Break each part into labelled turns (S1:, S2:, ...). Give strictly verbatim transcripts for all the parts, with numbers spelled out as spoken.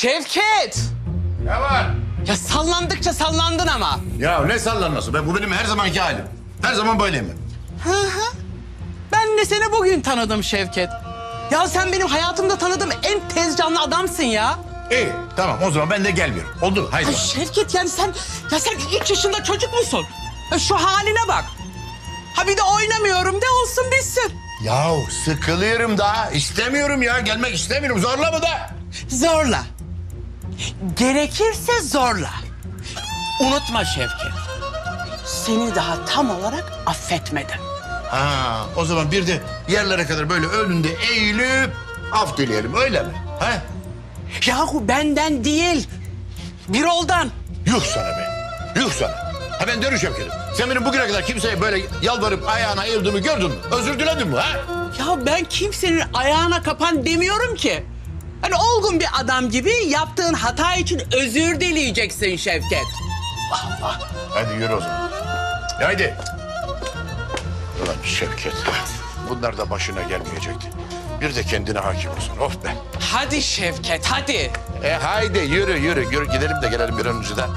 S1: Şevket!
S2: Ne var?
S1: Ya sallandıkça sallandın ama.
S2: Ya ne sallanması be? Bu benim her zamanki halim. Her zaman böyleyim ben.
S1: Hı hı. Ben de seni bugün tanıdım Şevket. Ya sen benim hayatımda tanıdığım en tez canlı adamsın ya.
S2: İyi tamam o zaman ben de gelmiyorum. Oldu haydi.
S1: Ay
S2: bak.
S1: Şevket yani sen ya sen üç yaşında çocuk musun? Ya şu haline bak. Ha bir de oynamıyorum de olsun bitsin.
S2: Yahu sıkılıyorum da istemiyorum ya. Gelmek istemiyorum. Zorla mı da?
S1: Zorla. Gerekirse zorla. Unutma Şevket. Seni daha tam olarak affetmedim.
S2: Ha, o zaman bir de yerlere kadar böyle önünde eğilip af dileyelim öyle mi? Ha?
S1: Yahu benden değil. Birol'dan.
S2: Yuh sana be. Yuh sana. Ha ben dönüş Şevket'im. Sen benim bugüne kadar kimseye böyle yalvarıp ayağına eğildiğimi gördün mü? Özür diledin mi ha?
S1: Ya ben kimsenin ayağına kapan demiyorum ki. Hani olgun bir adam gibi yaptığın hata için özür dileyeceksin Şevket.
S2: Hadi yürü o zaman. Haydi. Ulan Şevket. Bunlar da başına gelmeyecekti. Bir de kendine hakim olsun. Of be.
S1: Hadi Şevket hadi.
S2: E haydi yürü yürü. Yürü gidelim de gelelim bir an önce de.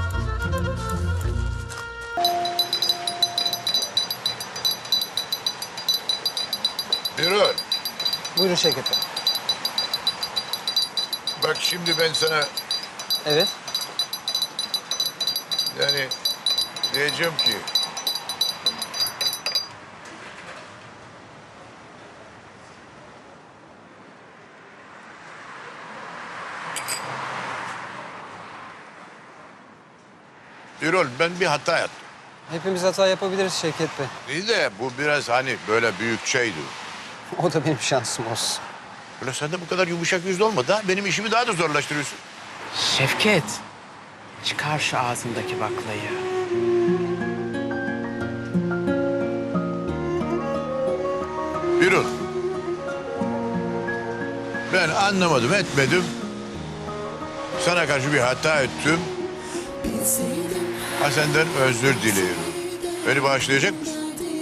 S2: Yürü.
S3: Buyurun Şevket Bey.
S2: Bak şimdi ben sana
S3: Evet.
S2: yani diyeceğim ki... Birol ben bir hata yaptım.
S3: Hepimiz hata yapabiliriz Şevket Bey.
S2: İyi de bu biraz hani böyle büyük şeydi.
S3: O da benim şansım olsun.
S2: Böyle sen de bu kadar yumuşak yüzlü olma da benim işimi daha da zorlaştırıyorsun.
S1: Şevket. Çıkar şu ağzındaki baklayı.
S2: Birol. Ben anlamadım etmedim. Sana karşı bir hata ettim. Ha senden özür diliyorum. Beni bağışlayacak mısın?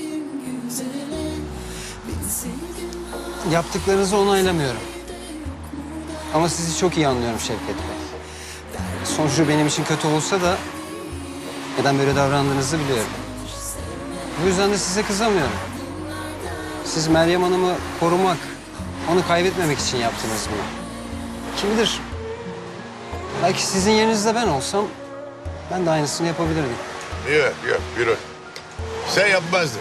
S3: Yaptıklarınızı onaylamıyorum. Ama sizi çok iyi anlıyorum Şevket Bey. Sonucu benim için kötü olsa da neden böyle davrandığınızı biliyorum. Bu yüzden de size kızamıyorum. Siz Meryem Hanım'ı korumak, onu kaybetmemek için yaptınız bunu. Kim bilir? Belki sizin yerinizde ben olsam ben de aynısını yapabilirdim.
S2: Yok yok Birol. Sen yapmazdın.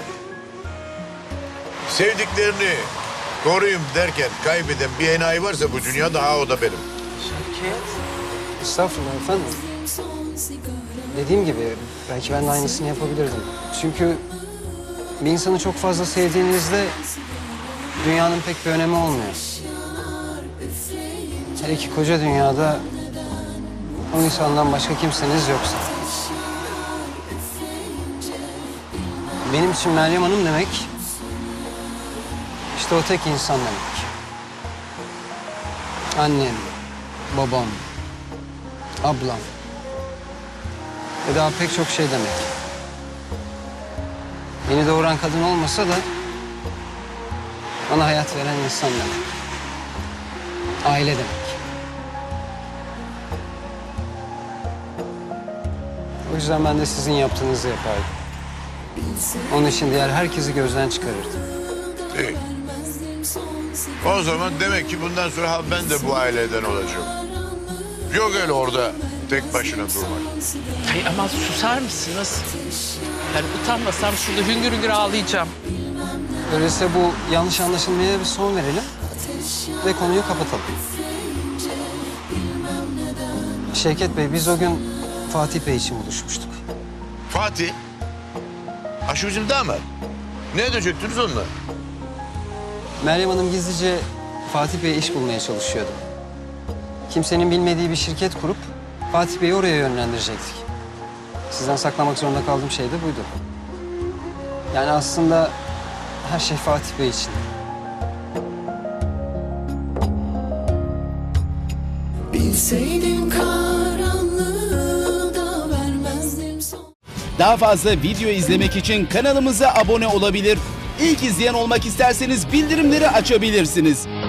S2: Sevdiklerini koruyayım derken kaybeden bir enayi varsa bu dünya daha o da benim.
S1: Şevket.
S3: Estağfurullah efendim. Dediğim gibi belki ben de aynısını yapabilirdim. Çünkü bir insanı çok fazla sevdiğinizde dünyanın pek bir önemi olmuyor. Hele ki koca dünyada o insandan başka kimseniz yoksa. Benim için Meryem Hanım demek işte o tek insan demek. Annem, babam, ablam ve daha pek çok şey demek. Beni doğuran kadın olmasa da bana hayat veren insan demek. Aile demek. O yüzden ben de sizin yaptığınızı yapardım. Onun için diğer herkesi gözden çıkarırdım.
S2: İyi. O zaman demek ki bundan sonra ha ben de bu aileden olacağım. Yok öyle orada tek başına durmak.
S1: Ay ama susar mısınız? Yani utanmasam şurada hüngür hüngür ağlayacağım.
S3: Öyleyse bu yanlış anlaşılmaya bir son verelim ve konuyu kapatalım. Şevket Bey, biz o gün Fatih Bey için buluşmuştuk.
S2: Fatih. Ha şu bizim damat. Ne edecektiniz onunla?
S3: Meryem Hanım gizlice Fatih Bey'e iş bulmaya çalışıyordu. Kimsenin bilmediği bir şirket kurup Fatih Bey'i oraya yönlendirecektik. Sizden saklamak zorunda kaldığım şey de buydu. Yani aslında her şey Fatih Bey için.
S4: Bilseydim karanlığı da vermezdim son.
S5: Daha fazla video izlemek için kanalımıza abone olabilir. İlk izleyen olmak isterseniz bildirimleri açabilirsiniz.